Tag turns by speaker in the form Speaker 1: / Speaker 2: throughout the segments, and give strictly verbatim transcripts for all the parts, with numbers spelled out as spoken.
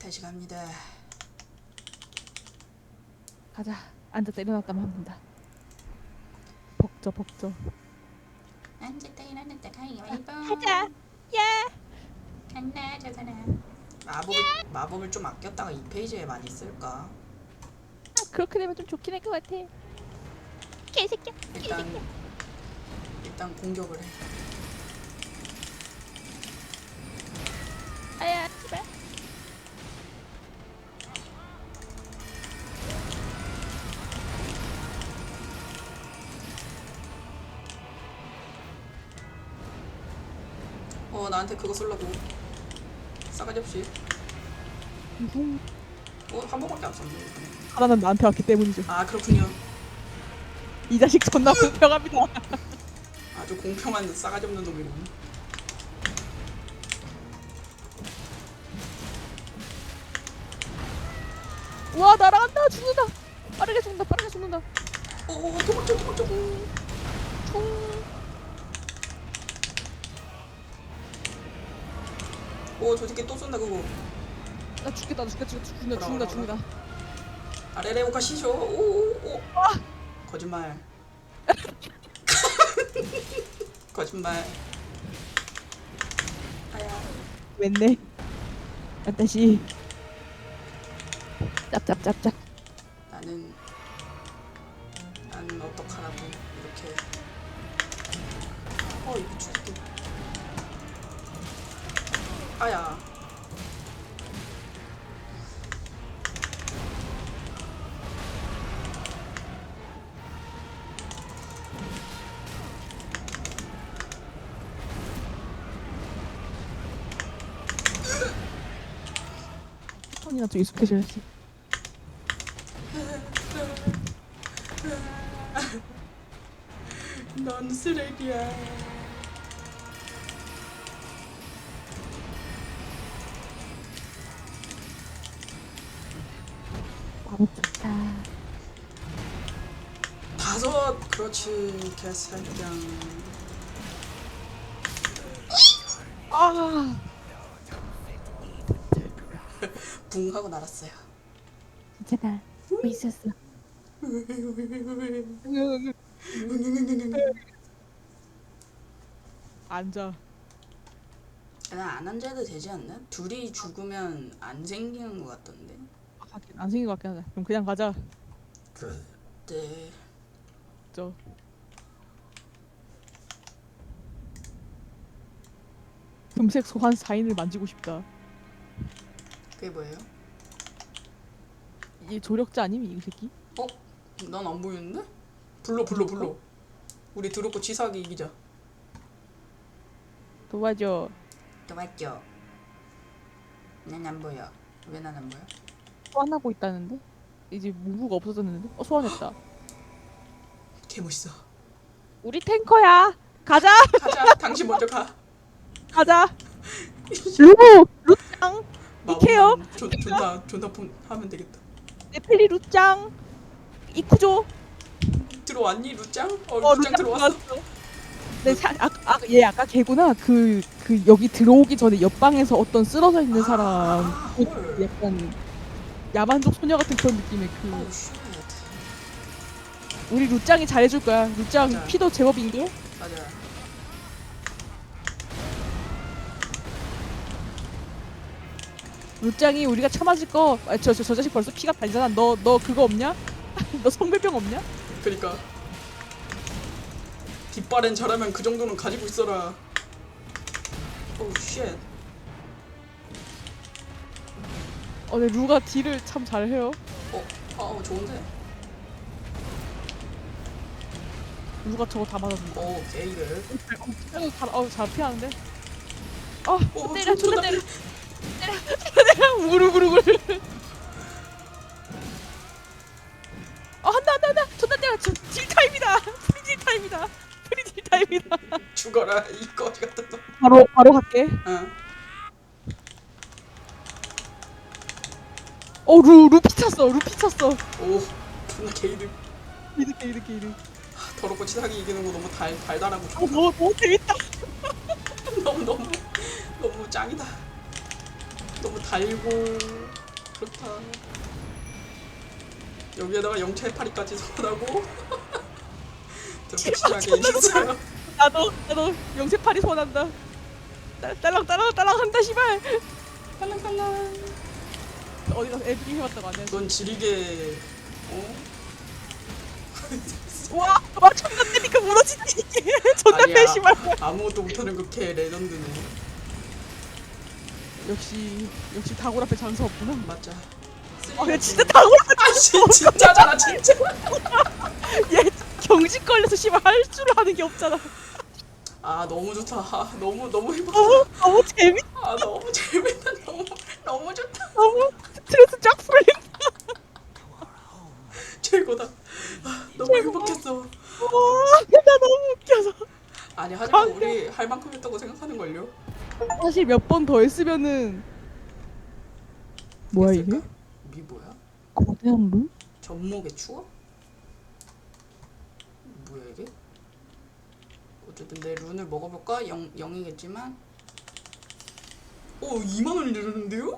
Speaker 1: 다시 갑니다.
Speaker 2: 가자. 앉았다 일어났다만 하면 된다. 벅져 벅져.
Speaker 1: 앉았다 일어났다 가위바위보.
Speaker 2: 가자. 야.
Speaker 1: 간다 저 사람. 마법을 마법을 좀 아꼈다가 이 페이지에 많이 쓸까?
Speaker 2: 아, 그렇게 되면 좀 좋긴 할 것 같아. 개새끼야.
Speaker 1: 일단
Speaker 2: 개새끼야.
Speaker 1: 일단 공격을 해.
Speaker 2: 아야 씨발.
Speaker 1: 어 나한테 그거 쓰려고 싸가지 없이.
Speaker 2: 무슨
Speaker 1: 어한 번밖에 안 썼네.
Speaker 2: 하나는 나한테 왔기 때문이죠.
Speaker 1: 아 그렇군요.
Speaker 2: 이 자식 존나 공평합니다.
Speaker 1: 아주 공평한 싸가지 없는 놈이군.
Speaker 2: 와 날아간다. 죽는다. 빠르게 죽는다. 빠르게 죽는다.
Speaker 1: 오 도망쳐 도망쳐.
Speaker 2: 총.
Speaker 1: 오저 새끼 또 쏜다 그거.
Speaker 2: 나 죽겠다. 나 죽겠다. 죽는다. 죽는다. 죽는다.
Speaker 1: 아래래 오카 시쇼. 오오오. 거짓말. 거짓말. 아야.
Speaker 2: 웬네. 아따시. 짭짭짭짭.
Speaker 1: 나는 나는 어떡하라고 이렇게. 어 이거 죽게. 아야.
Speaker 2: 손이나 좀 익숙해져야지.
Speaker 1: 넌 쓰레기야.
Speaker 2: 너무 좋다.
Speaker 1: 다섯. 그렇지 개새끼야.
Speaker 2: 아.
Speaker 1: 붕 하고 날았어요.
Speaker 2: 괜찮아. 뭐 있었어. 앉아.
Speaker 1: 난안 앉아도 되지 않나? 둘이 죽으면 안 생기는 것 같던데.
Speaker 2: 아, 하긴 안 생긴 것 같긴 하다. 그럼 그냥 가자.
Speaker 1: 네.
Speaker 2: 저. 금색 소환 사인을 만지고 싶다.
Speaker 1: 그게 뭐예요?
Speaker 2: 이 조력자 아님 이 새끼?
Speaker 1: 어? 난 안 보이는데? 불러 불러 불러. 우리 드롭고 치사하게 이기자.
Speaker 2: 도와줘.
Speaker 1: 또 맞죠? 난 안 보여. 왜 난 안 보여?
Speaker 2: 소환하고 있다는데? 이제 무브가 없어졌는데? 어 소환했다.
Speaker 1: 개 멋있어.
Speaker 2: 우리 탱커야. 가자.
Speaker 1: 가자. 당신 먼저 가.
Speaker 2: 가자. 루 루짱. 이케요.
Speaker 1: 마법만 존- 존나 존나 폰 하면 되겠다.
Speaker 2: 네펠리 루짱. 이쿠조.
Speaker 1: 들어왔니 루짱? 어,
Speaker 2: 어
Speaker 1: 루짱 들어왔어.
Speaker 2: 네, 사, 아, 아, 얘 아까 걔구나. 그, 그 여기 들어오기 전에 옆방에서 어떤 쓰러져 있는 사람.
Speaker 1: 아,
Speaker 2: 그
Speaker 1: 헐.
Speaker 2: 약간 야만족 소녀 같은 그런 느낌의 그.
Speaker 1: 오 쉣.
Speaker 2: 우리 루짱이 잘해줄 거야. 루짱
Speaker 1: 맞아.
Speaker 2: 피도 제법인데.
Speaker 1: 맞아.
Speaker 2: 루짱이 우리가 참아줄 거. 아, 저, 저, 저 자식 벌써 피가 달잖아. 너, 너 그거 없냐? 너 성별병 없냐?
Speaker 1: 그니까 뒷발엔 잘하면 그 정도는 가지고 있어라. 오 쉣.
Speaker 2: 어, 네, 루가 딜을 참 잘해요.
Speaker 1: 어, 어 좋은데.
Speaker 2: 루가 저거 다 맞았는데.
Speaker 1: 오 게이를.
Speaker 2: 어, 잘, 어, 잘 피하는데. 어,
Speaker 1: 오
Speaker 2: 때려,
Speaker 1: 존나
Speaker 2: 존나 때려. 때려, 우글우글우글. 어, 한다, 한다, 한다. 존나 때려. 저, 딜 타임이다. 프리딜 타임이다. 프리딜 타임이다.
Speaker 1: 죽어라 이 거지 같은 놈.
Speaker 2: 바로, 바로 갈게.
Speaker 1: 어.
Speaker 2: 어, 루, 루 피쳤어. 루 피쳤어.
Speaker 1: 오 존나 게이를.
Speaker 2: 이렇게, 이렇게, 이렇게.
Speaker 1: 더럽고 치사하게 이기는 거 너무 달 달달하고
Speaker 2: 어,
Speaker 1: 좋다.
Speaker 2: 너무, 너무 재밌다.
Speaker 1: 너무 너무 너무 짱이다. 너무 너무 달고 그렇다. 여기에다가 영채파리까지 소환하고
Speaker 2: 제발,
Speaker 1: 심하게 이겼어요.
Speaker 2: 나도 나도 영세팔이 소환한다. 딸- 딸랑 딸랑 딸랑 한다 씨발.
Speaker 1: 팔랑팔랑.
Speaker 2: 어디 가서 애들이 해왔다고 안 해.
Speaker 1: 넌 지리게 어?
Speaker 2: 와, 와 존나 때니까 무너지네 이게. 존나
Speaker 1: 아니야.
Speaker 2: 배심할.
Speaker 1: 아무것도 못하는 그 개 레전드네.
Speaker 2: 역시 역시 다골 앞에 장사 없구나.
Speaker 1: 맞자.
Speaker 2: 아, 야 진짜 다골 앞에
Speaker 1: 아씨 진짜잖아 진짜.
Speaker 2: 얘 경직 걸려서 씨발 할 줄 아는 게 없잖아.
Speaker 1: 아 너무 좋다. 아, 너무 너무 행복하다.
Speaker 2: 너무 너무 재밌.
Speaker 1: 아 너무 재밌다. 너무 너무 좋다.
Speaker 2: 너무 스트레스 쫙 풀림.
Speaker 1: 최고다. 아, 너무 행복했어.
Speaker 2: 와, 나 너무 웃겨서.
Speaker 1: 아니 하지만 우리 할 만큼 했다고 생각하는 걸요.
Speaker 2: 사실 몇 번 더 했으면은 뭐야 이게?
Speaker 1: 미 뭐야?
Speaker 2: 거대한 룰?
Speaker 1: 전목의 추억? 뭐야 이게? 어쨌든 내 룬을 먹어볼까? 영, 영이겠지만 오 이만 원이 내렸는데요?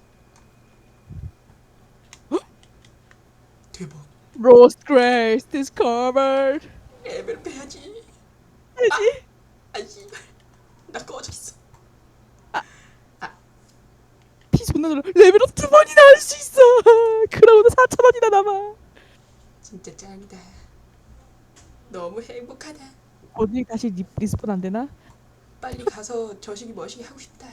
Speaker 1: 대박.
Speaker 2: Rose Grace discovered.
Speaker 1: 레벨 빼야지.
Speaker 2: 해지?
Speaker 1: 아 씨발 나 꺼졌어.
Speaker 2: 피 존나 늘어. 레벨업 두 번이나 할 수 있어. 그러고도 사천 원이나 남아.
Speaker 1: 진짜 짱이다. 너무 행복하다.
Speaker 2: 어디 다시 리, 리스폰 안 되나?
Speaker 1: 빨리 가서 저식이 머시기 하고 싶다.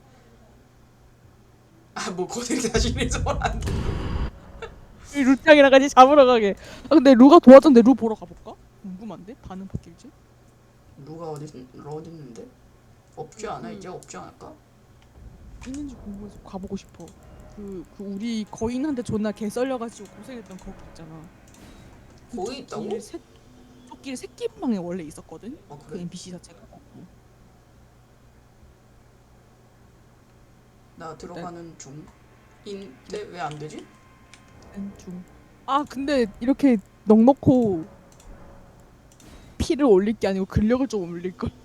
Speaker 1: 아 뭐 거기를 다시 리서버 안 돼.
Speaker 2: 이 루짱이랑 같이 잡으러 가게. 아 근데 루가 도와줬는데 루 보러 가볼까? 궁금한데? 반응 바뀔지?
Speaker 1: 누가 어디 어디 있는데? 없지 않아 이제 없지 않을까?
Speaker 2: 있는지 궁금해서 가보고 싶어. 그, 그 우리 거인한테 존나 개 썰려가지고 고생했던 거기 있잖아.
Speaker 1: 거기 있다고?
Speaker 2: 토끼 새, 토끼 새끼방에 원래 있었거든.
Speaker 1: 아
Speaker 2: 그
Speaker 1: 그래?
Speaker 2: 엔피씨 자체가.
Speaker 1: 나 들어가는 중인데 왜 안 되지?
Speaker 2: 중. 아 근데 이렇게 넉넉고 피를 올릴 게 아니고 근력을 좀 올릴 걸.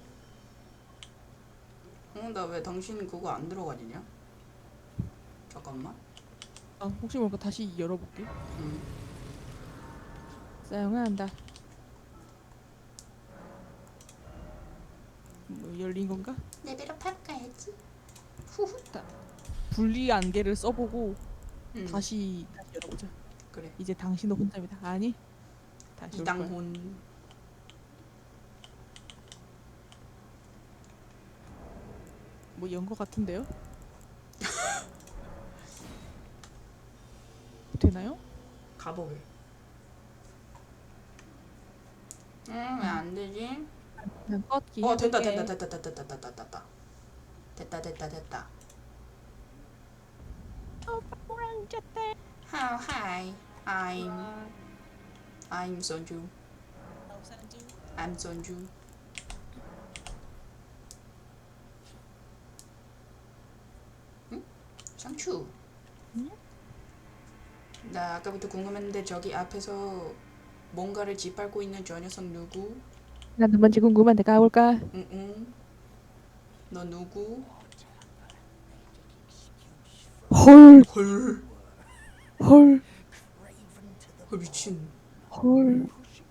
Speaker 1: 어 나 왜 당신 그거 안 들어가지냐? 잠깐만.
Speaker 2: 아 혹시 모르니까 다시 열어볼게.
Speaker 1: 응.
Speaker 2: 사용한다. 뭐 열린 건가?
Speaker 1: 레벨업 할까야지. 후후.
Speaker 2: 분리 안개를 써보고
Speaker 1: 응.
Speaker 2: 다시 다시 열어보자.
Speaker 1: 그래.
Speaker 2: 이제 당신도 혼자입니다. 아니 다시 올 거야.
Speaker 1: 이당혼.
Speaker 2: 뭐 연 거 같은데요? 되나요?
Speaker 1: 가보게. 응 왜 안 되지?
Speaker 2: 그냥 껐기.
Speaker 1: 어 됐다
Speaker 2: 해볼게.
Speaker 1: 됐다 됐다 됐다 됐다 됐다 됐다 됐다 됐다 됐다.
Speaker 2: 어, 빵꾸랑 졌대.
Speaker 1: How hi? I'm I'm Sonju. I'm Sonju. 응? 상추.
Speaker 2: 응?
Speaker 1: 나 아까부터 궁금했는데 저기 앞에서 뭔가를 짓밟고 있는 저 녀석 누구?
Speaker 2: 나도 뭔지 궁금한데 가볼까?
Speaker 1: 응응. 너 누구?
Speaker 2: 헐,
Speaker 1: 헐.
Speaker 2: 헐,
Speaker 1: 헐 미친.
Speaker 2: 헐.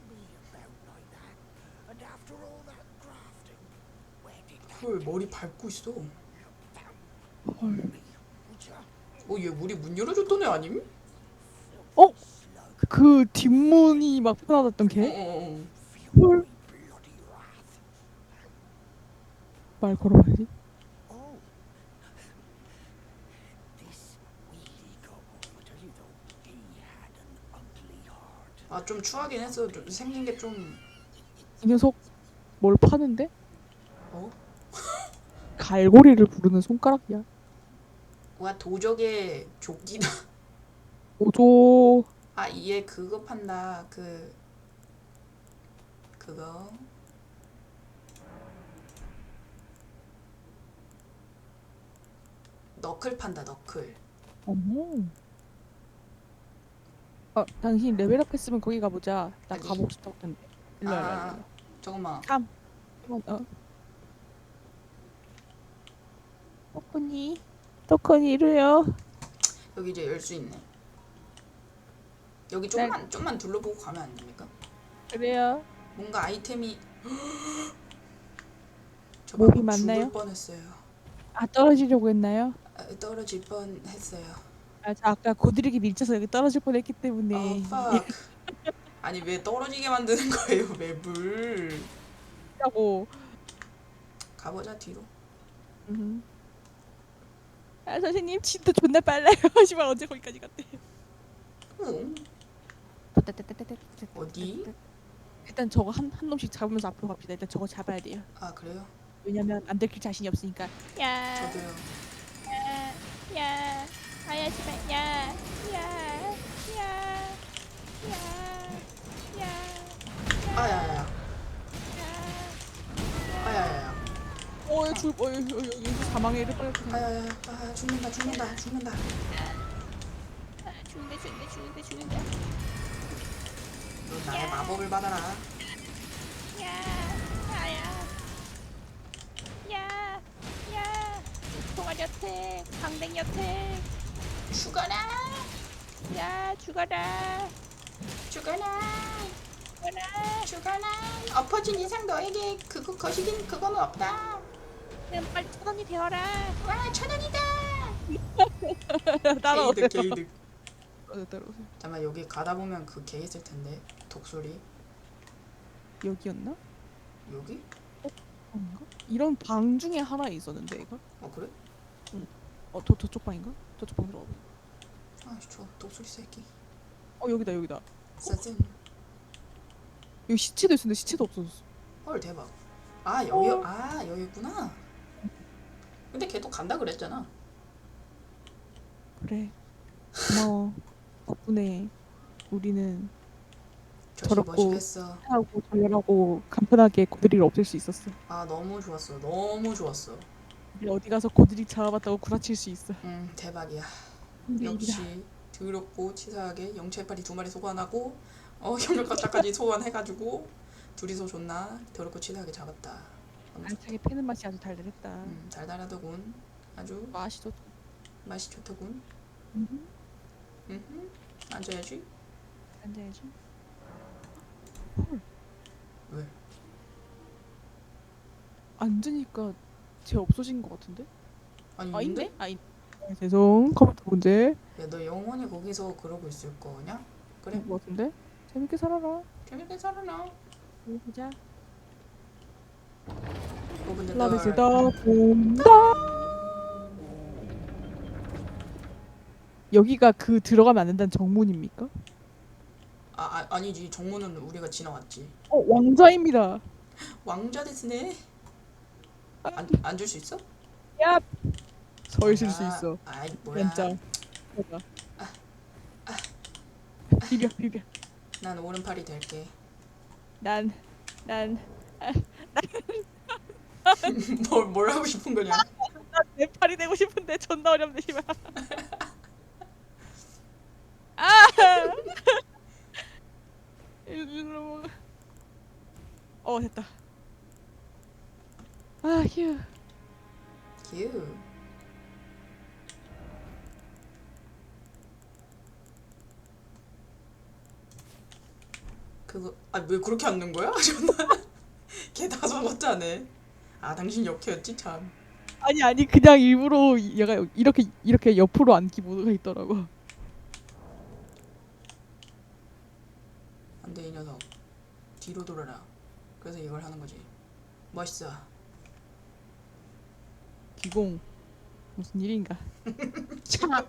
Speaker 1: 헐 머리 밟고 있어.
Speaker 2: 헐.
Speaker 1: 어 얘 우리 문 열어줬던 애 아님?
Speaker 2: 어? 그 뒷문이 막 편하셨던 걔?
Speaker 1: 어어어.
Speaker 2: 헐. 말 걸어봐야지.
Speaker 1: 아 좀 추하긴 했어. 좀 생긴 게 좀.
Speaker 2: 이 녀석 뭘 파는데?
Speaker 1: 어?
Speaker 2: 갈고리를 부르는 손가락이야.
Speaker 1: 와 도적의 조끼다.
Speaker 2: 오조.
Speaker 1: 아 얘 그거 판다. 그 그거 너클 판다. 너클.
Speaker 2: 어머. 어, 당신 레벨업 했으면 거기 가보자. 나
Speaker 1: 어디?
Speaker 2: 가보고 싶다고 했는데. 일로 와, 일로 와, 일로
Speaker 1: 아
Speaker 2: 와.
Speaker 1: 잠깐만.
Speaker 2: 삼. 어. 뽀꾸니. 토큰이 이루요.
Speaker 1: 여기 이제 열 수 있네. 여기 좀만 좀만 둘러보고 가면 안 됩니까?
Speaker 2: 그래요.
Speaker 1: 뭔가 아이템이 저
Speaker 2: 몹이
Speaker 1: 방금
Speaker 2: 많나요?
Speaker 1: 죽을 뻔했어요.
Speaker 2: 아 떨어지려고 했나요?
Speaker 1: 아, 떨어질 뻔했어요.
Speaker 2: 아, 저 아까 고드리기 밀쳐서 여기 떨어질 뻔했기
Speaker 1: 아,
Speaker 2: 때문에.
Speaker 1: fuck. 아니 왜 떨어지게 만드는 거예요, 맵을?
Speaker 2: 라고.
Speaker 1: 가보자 뒤로.
Speaker 2: 음. 아 선생님 진짜 존나 빨라요. 하지만 언제 거기까지 갔대?
Speaker 1: 응. 어디?
Speaker 2: 일단 저거 한, 한 놈씩 잡으면서 앞으로 갑시다. 일단 저거 잡아야 돼요.
Speaker 1: 아 그래요?
Speaker 2: 왜냐면 안 들킬 자신이 없으니까. 야,
Speaker 1: 저도요.
Speaker 2: 야, 야, 아야지마, 야, 야, 야, 야, 야,
Speaker 1: 아야야야. 아야야야.
Speaker 2: 어, 줄, 어, 여기, 여기, 여기 사망에 이를 뻔했구나.
Speaker 1: 아야야야. 아 죽는다 죽는다 죽는다.
Speaker 2: 죽는다, 죽는다, 죽는다, 죽는다.
Speaker 1: 너 나의 마법을 받아라.
Speaker 2: 야, 아야, 야, 야, 통화 여택, 강댕 여택.
Speaker 1: 죽어라.
Speaker 2: 야, 죽어라,
Speaker 1: 죽어라.
Speaker 2: 죽어라.
Speaker 1: 죽어라. 엎어진 이상 너에게 그거 거시긴 그거는 없다.
Speaker 2: 그럼 빨리 천 원이 되어라.
Speaker 1: 와 천원이다.
Speaker 2: 따라오세요.
Speaker 1: 게이득 게이득.
Speaker 2: 어, 따라오세요.
Speaker 1: 잠깐 여기 가다 보면 그 개 있을 텐데. 독소리.
Speaker 2: 여기였나?
Speaker 1: 여기?
Speaker 2: 아닌가? 이런 방 중에 하나 있었는데 이거?
Speaker 1: 어 그래?
Speaker 2: 어, 저 저쪽 방인가? 저쪽 방 들어가.
Speaker 1: 아씨 저 독소리 새끼.
Speaker 2: 어, 여기다 여기다.
Speaker 1: 짜증.
Speaker 2: 여기 시체도 있었는데 시체도 없어졌어.
Speaker 1: 헐 대박. 아 여기
Speaker 2: 어.
Speaker 1: 아 여기 있구나. 근데 걔도 간다 그랬잖아.
Speaker 2: 그래. 고마워. 덕분에 우리는
Speaker 1: 저씨
Speaker 2: 저렇고.
Speaker 1: 멋있겠어.
Speaker 2: 하고 전멸하고 간편하게 고드리를 없앨 수 있었어.
Speaker 1: 아 너무 좋았어. 너무 좋았어.
Speaker 2: 우리 어디 가서 고드리 잡아봤다고 구라칠 수 있어.
Speaker 1: 음 대박이야.
Speaker 2: 근데 이기다.
Speaker 1: 역시 더럽고 치사하게 영체파리 두 마리 소환하고 어 협력가짜까지 소환해가지고 둘이서 존나 더럽고 치사하게 잡았다. 너무 좋-
Speaker 2: 알차게 패는 맛이 아주 달달했다.
Speaker 1: 음 달달하더군. 아주
Speaker 2: 맛이 좋.
Speaker 1: 맛이 좋더군.
Speaker 2: 음.
Speaker 1: 음 앉아야지.
Speaker 2: 앉아야지.
Speaker 1: 왜?
Speaker 2: 앉으니까 쟤 없어진 것 같은데?
Speaker 1: 아니
Speaker 2: 아
Speaker 1: 있는데?
Speaker 2: 있네? 아 있. 네, 죄송. 컴퓨터 문제.
Speaker 1: 야너 영원히 거기서 그러고 있을 거냐? 그래
Speaker 2: 것 같은데? 재밌게 살아라.
Speaker 1: 재밌게 살아라.
Speaker 2: 여기 보자.
Speaker 1: 오픈 더
Speaker 2: 러비스
Speaker 1: door.
Speaker 2: 더 본다. 여기가 그 들어가면 안 된다는 정문입니까?
Speaker 1: 아, 아 아니지 정문은 우리가 지나왔지.
Speaker 2: 어 왕자입니다.
Speaker 1: 왕자 데스네. 안 앉을 수 있어?
Speaker 2: 야. 서 있을 수
Speaker 1: 아,
Speaker 2: 있어.
Speaker 1: 아이 뭐야.
Speaker 2: 진짜. 봐봐. 비벼 비벼.
Speaker 1: 난 오른팔이 될게.
Speaker 2: 난 난
Speaker 1: 뭘, 뭘 하고 싶은 거냐?
Speaker 2: 내 팔이 되고 싶은데 존나 어렵네 씨발. 아! 일로. 어 됐다. 아 휴.
Speaker 1: 휴. 그거 아 왜 그렇게 앉는 거야? 존나 걔 다섯 번째네. 아 당신 역해였지 참.
Speaker 2: 아니 아니 그냥 일부러 얘가 이렇게 이렇게 옆으로 앉기 모드가 있더라고.
Speaker 1: 안돼 이 녀석. 뒤로 돌아라. 그래서 이걸 하는 거지. 멋있어.
Speaker 2: 기공 무슨 일인가? 차.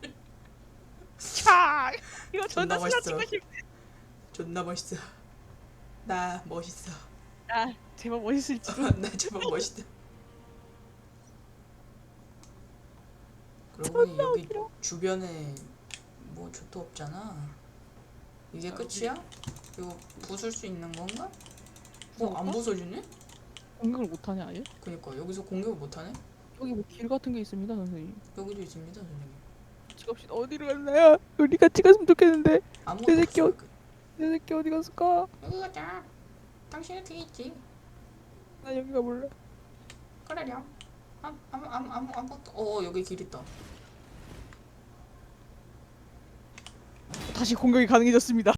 Speaker 2: 차. 이거
Speaker 1: 존나
Speaker 2: 존나
Speaker 1: 멋있어.
Speaker 2: 쓰러지고 싶네.
Speaker 1: 존나 멋있어. 나 멋있어.
Speaker 2: 아 제발 멋있을지도.
Speaker 1: 나 제발 멋있다. 그러고 보니 여기
Speaker 2: 웃기다.
Speaker 1: 주변에 뭐 좋도 없잖아. 이게 끝이야? 이거 부술 수 있는 건가? 어, 안 부서지네?
Speaker 2: 공격을 못하냐 아예?
Speaker 1: 그니까 여기서 공격을 못하네?
Speaker 2: 여기 뭐 길 같은 게 있습니다 선생님.
Speaker 1: 여기도 있습니다 선생님.
Speaker 2: 같이 갑시다. 어디로 갔나요? 우리 같이 갔으면 좋겠는데.
Speaker 1: 아무것도
Speaker 2: 내 새끼
Speaker 1: 없어.
Speaker 2: 어- 내 새끼 어디 갔을까?
Speaker 1: 여기 가자. 당신은 뒤에 있지.
Speaker 2: 나 여기 가볼래.
Speaker 1: 그러렴. 아무 아무 아무 아무 아무것도. 어 여기 길 있다.
Speaker 2: 다시 공격이 가능해졌습니다.